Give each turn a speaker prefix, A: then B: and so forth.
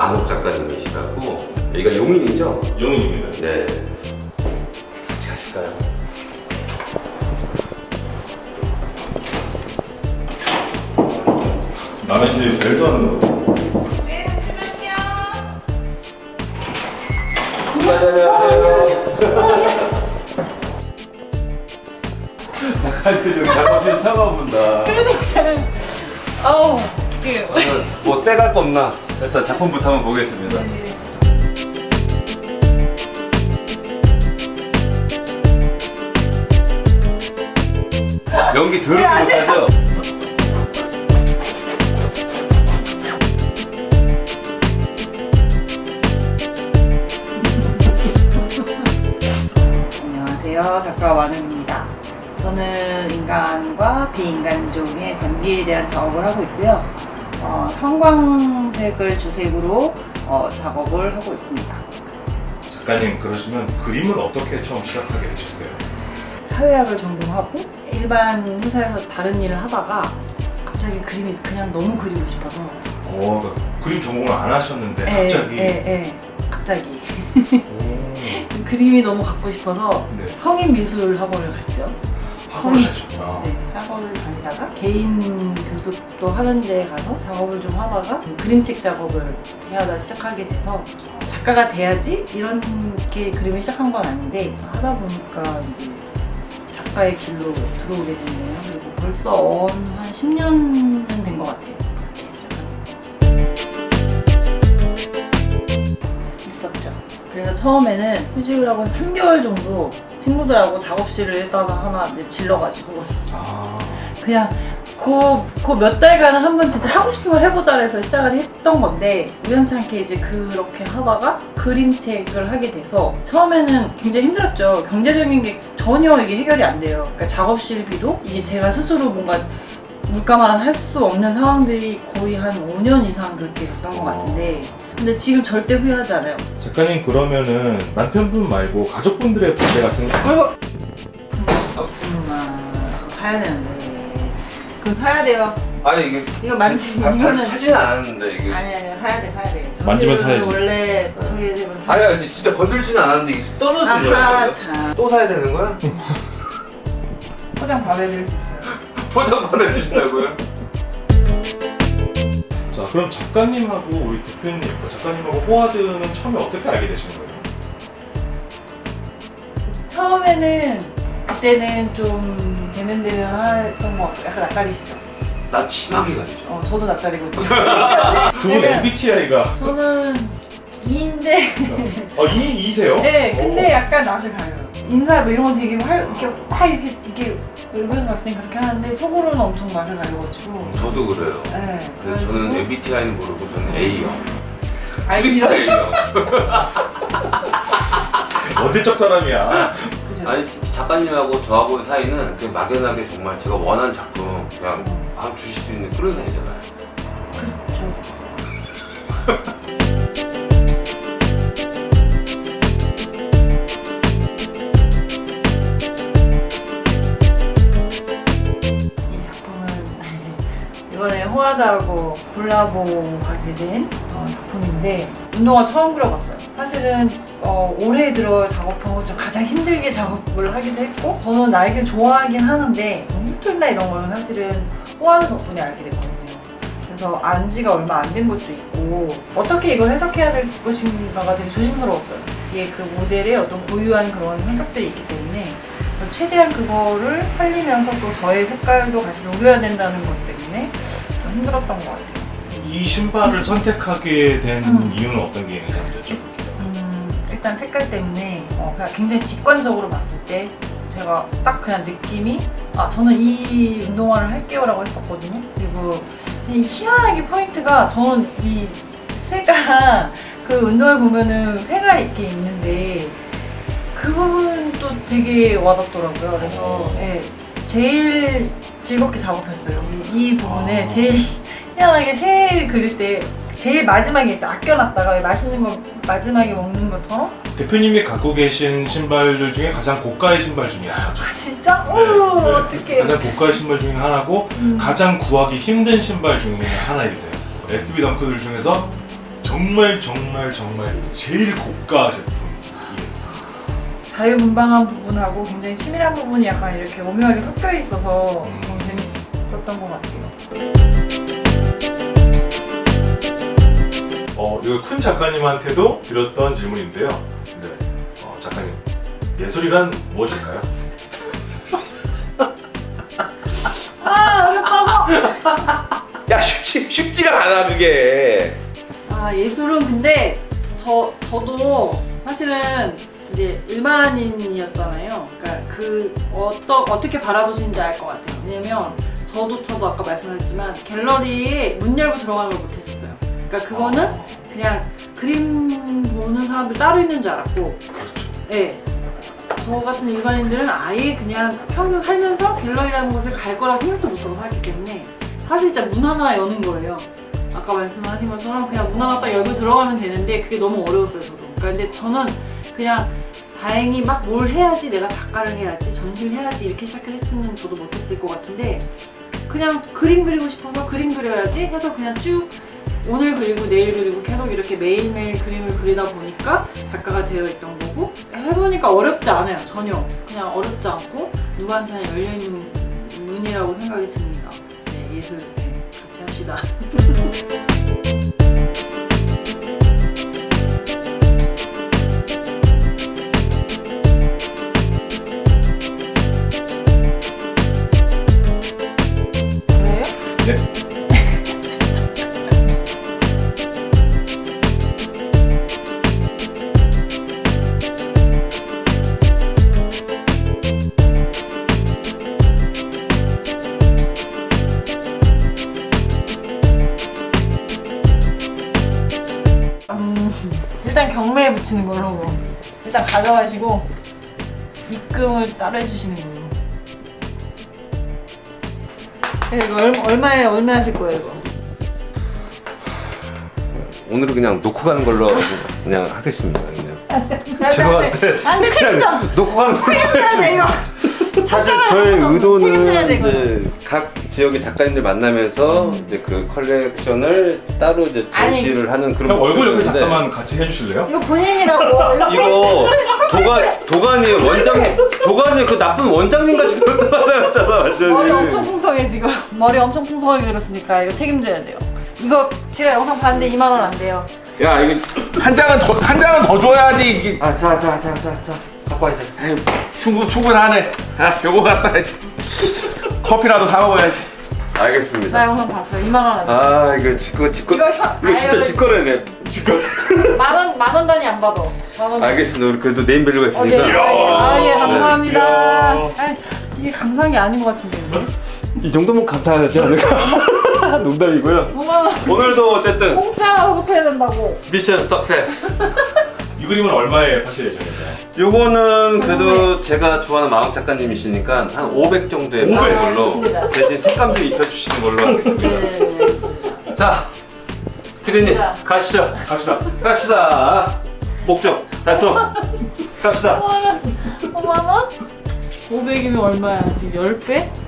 A: 안옥 작가님이시라고. 여기가 용인이죠?
B: 용인입니다.
A: 네. 같이 가실까요?
B: 남의 집에 벨도 하는 거.
C: 네, 잠시만요.
A: 안녕하세요.
B: 작가님 작업실 처음 본다.
C: 어우, 이게.
A: 뭐 떼갈 거 없나?
B: 일단 작품부터 한번 보겠습니다.
A: 연기 더럽게 못하죠?
C: 안녕하세요, 작가 완음입니다. 저는 인간과 비인간종의 관계에 대한 작업을 하고 있고요. 형광색을 주색으로 작업을 하고 있습니다.
B: 작가님 그러시면 그림을 어떻게 처음 시작하게 되셨어요?
C: 사회학을 전공하고 일반 회사에서 다른 일을 하다가 갑자기 그림이 그냥 너무 그리고 싶어서
B: 그러니까 그림 전공을 안 하셨는데 갑자기.
C: 갑자기
B: 오,
C: 그림이 너무 갖고 싶어서
B: 네.
C: 성인 미술 학원을 갔죠.
B: 학원을 하셨구나.
C: 네, 학원을 다니다가 개인 교습도 하는 데 가서 작업을 좀 하다가 그림책 작업을 해하다 시작하게 돼서 작가가 돼야지 이렇게 그림을 시작한 건 아닌데 하다 보니까 이제 작가의 길로 들어오게 됐네요. 그리고 벌써 한 10년은 된 것 같아요. 그렇게 시작한 있었죠. 그래서 처음에는 휴직을 하고 3개월 정도 친구들하고 작업실을 일단 하나 질러가지고
B: 아,
C: 그냥 그 몇 달간은 한번 진짜 하고 싶은 걸 해보자 해서 시작을 했던 건데 우연찮게 이제 그렇게 하다가 그림책을 하게 돼서 처음에는 굉장히 힘들었죠. 경제적인 게 전혀 이게 해결이 안 돼요. 그러니까 작업실비도 이게 제가 스스로 뭔가 물가만 할 수 없는 상황들이 거의 한 5년 이상 그렇게 됐던 것 같은데 근데 지금 절대 후회하지 않아요.
B: 작가님 그러면은 남편분 말고 가족분들의 반대 같은 거
C: 아이고 사야 되는데 그거 사야 돼요.
A: 아니 이게
C: 이거 만지
A: 다
C: 이거는
A: 사진 않았는데 이게.
C: 아니 사야 돼.
B: 만지면
C: 저희들은
B: 사야지.
C: 원래 저희 집은
A: 아니 아니 진짜 건들지는 않았는데 이게 떨어지는
C: 아하
A: 거야.
C: 참
A: 또 사야 되는 거야?
C: 포장 바로 해드릴 수 있어요.
A: 포장 보내주신다고요?
B: 자, 그럼 작가님하고 우리 대표님, 작가님하고 호화드는 처음에 어떻게 알게 되신 거예요?
C: 처음에는 그때는 좀 대면 했던 것 같고 약간 낯가리시죠?
A: 나 심하게 가리죠.
C: 저도 낯가리거든요.
B: 두 분 MBTI가
C: 저는 2인데
B: 2세요?
C: 네 근데 약간 낯을 가려요. 인사 뭐 이런 거 되게 이렇게 외부에서 봤을 땐 그렇게 하는데 속으로는 엄청 낯을 가려가지고
A: 저도 그래요.
C: 네
A: 그래서 저는 MBTI는 모르고 저는 A형.
C: 이런
A: A형.
B: 언제적 사람이야?
C: 그죠?
A: 아니 진짜 작가님하고 저하고의 사이는 그냥 막연하게 정말 제가 원하는 작품 그냥 막 주실 수 있는 그런 사이잖아요.
C: 그렇죠. 이 작품을 이번에 호화드하고 콜라보하게 된 작품인데 운동화 처음 그려봤어요. 사실은 올해 들어 작업한 것 중 가장 힘들게 작업을 하기도 했고 저는 날개 좋아하긴 하는데 힐토리나 이런 거는 사실은 호화드 덕분에 알게 됐거든요. 그래서 안 지가 얼마 안 된 것도 있고 어떻게 이걸 해석해야 될 것인가가 되게 조심스러웠어요. 이게 그 모델의 어떤 고유한 그런 성격들이 있기 때문에 최대한 그거를 살리면서 또 저의 색깔도 같이 녹여야 된다는 것 때문에 좀 힘들었던 것 같아요.
B: 이 신발을 선택하게 된 이유는 어떤 게 있는지 한번 여쭤볼게요.
C: 일단 색깔 때문에 그냥 굉장히 직관적으로 봤을 때 제가 딱 그냥 느낌이 저는 이 운동화를 할게요 라고 했었거든요. 그리고 이 희한하게 포인트가 저는 이 새가 그 운동화 보면은 새가 이렇게 있는데 그 부분도 되게 와닿더라고요. 그래서 제일 즐겁게 작업했어요. 이 부분에 제일 희한하게 새 그릴 때 제일 마지막에 이제 아껴놨다가 맛있는 거 마지막에 먹는 것처럼
B: 대표님이 갖고 계신 신발들 중에 가장 고가의 신발 중에 하나죠.
C: 진짜?
B: 네,
C: 오
B: 네.
C: 어떡해.
B: 가장 고가의 신발 중에 하나고 가장 구하기 힘든 신발 중에 하나이기도 해요. SB 덩크들 중에서 정말 제일 고가 제품.
C: 자유분방한 부분하고 굉장히 치밀한 부분이 약간 이렇게 오묘하게 섞여 있어서 너무 재밌었던 것 같아요.
B: 이거 큰 작가님한테도 드렸던 질문인데요. 네. 작가님, 예술이란 무엇일까요?
A: 야 쉽지가 않아 그게.
C: 아, 예술은 근데 저도 사실은 이제 일반인이었잖아요. 그러니까 어떻게 바라보시는지 알 것 같아요. 왜냐면 저도 아까 말씀하셨지만 갤러리에 문 열고 들어가는 걸 못했었어요. 그러니까 그거는 그냥 그림 보는 사람들 따로 있는 줄 알았고, 네. 저 같은 일반인들은 아예 그냥 평생 살면서 갤러리라는 곳을 갈 거라 생각도 못하고 살기 때문에 사실 진짜 문 하나 여는 거예요. 아까 말씀하신 것처럼 그냥 문 하나 딱 열고 들어가면 되는데 그게 너무 어려웠어요, 저도. 그러니까 근데 저는 그냥 다행히 막 뭘 해야지, 내가 작가를 해야지, 전시를 해야지 이렇게 시작을 했으면 저도 못했을 것 같은데 그냥 그림 그리고 싶어서 그림 그려야지 해서 그냥 쭉 오늘 그리고 내일 그리고 계속 이렇게 매일매일 그림을 그리다 보니까 작가가 되어 있던 거고, 해보니까 어렵지 않아요. 전혀. 그냥 어렵지 않고 누구한테나 열려있는 문이라고 생각이 듭니다. 네, 예술 같이 합시다. 그래요?
B: 네.
C: 일단 경매에 붙이는 걸로 일단 가져가시고 입금을 따로 해주시는 걸로. 네, 이거 얼마에 하실 거예요 이거?
A: 오늘은 그냥 놓고 가는 걸로 그냥 하겠습니다. 그냥. 죄송한데
C: 안돼 책임져.
A: 놓고 가는 걸로
C: 책임져야 돼 이거.
A: 사실
C: 작가가
A: 저의
C: 책임져야
A: 의도는
C: 돼, 이거는.
A: 이제 각 지역의 작가님들 만나면서 이제 그 컬렉션을 따로 이제
C: 아니,
A: 전시를 하는 그런
B: 형 얼굴 옆에
A: 목적이었는데
B: 잠깐만 같이 해주실래요?
C: 이거 본인이라고.
A: 이거 도가니 도가니 그 나쁜 원장님 같이 돌아다녔잖아 완전히.
C: 머리 엄청 풍성해 지금. 머리 엄청 풍성하게 그렸으니까 이거 책임져야 돼요. 이거 제가 영상 봤는데 2만 원 안 돼요.
A: 야 이거
D: 한 장은 더 줘야지. 이게
A: 자 갖고 와 이제.
D: 에휴, 충분하네. 요거 갖다 야지. 커피라도 사 먹어야지.
A: 알겠습니다.
C: 나 영상 봤어요. 2만 원 안 돼요.
A: 아 이거 이거 진짜 직거래네.
C: 만 원 단위 안 받아. 만 원.
A: 알겠습니다. 우리 그래도 네임밸류가
C: 네.
A: 있으니까.
C: 예, 감사합니다.
B: 이야.
C: 아니, 이게 감사한 게 아닌 것 같은데.
A: 이 정도면 감사하지 않을까? 농담이고요.
C: 5만 원.
A: 오늘도 어쨌든
C: 공짜로 붙여야 된다고.
A: 미션 석세스.
B: 이 그림은 얼마에 파실 예정인가요?
A: 요거는 그래도 제가 좋아하는 마왕 작가님이시니까 한 500 정도에
B: 500?
A: 파는 걸로
C: 알겠습니다.
A: 대신 색감 좀 입혀주시는 걸로 하겠습니다.
C: 네, 알겠습니다.
A: 자, 피디님
C: 자.
A: 가시죠.
B: 갑시다.
A: 갑시다. 목적 달성. 갑시다.
C: 5만 원? 500이면 얼마야? 지금 10배?